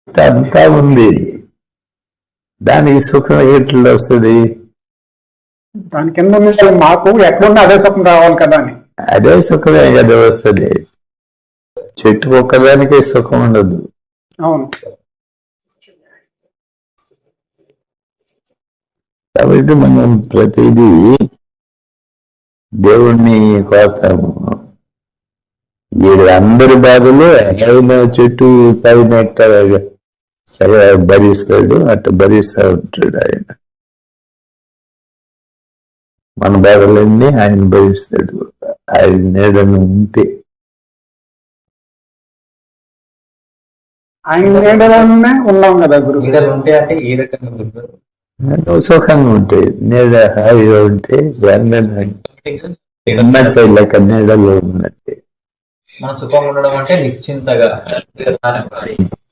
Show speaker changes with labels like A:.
A: అంతా ఉంది, దానికి సుఖం ఎట్లా వస్తుంది?
B: దాని కింద మాకు ఎక్కడున్నా అదే సుఖం రావాలి కదా అని. అదే
A: సుఖమే కదా వస్తుంది. చెట్టు ఒక్కదానికే సుఖం ఉండదు.
B: అవును.
A: కాబట్టి మనం ప్రతిదీ దేవుణ్ణి కోరుతాము. అందరి బాధలు ఆయన చెట్టు పైన సరే భరిస్తాడు, అట్లా భరిస్తూ ఉంటాడు ఆయన. మన బాధలన్నీ ఆయన భరిస్తాడు, ఆయన నీడను ఉంటే.
B: ఆయన నీడలోనే ఉన్నాం కదా గురు.
C: ఉంటే అంటే ఏ రకంగా
A: సుఖంగా ఉంటాయి, నీడ హాయిగా ఉంటే ఉన్నట్టే, లెక్క నీడలో ఉన్నట్టే.
C: మన సుఖంగా ఉండడం అంటే నిశ్చింతగా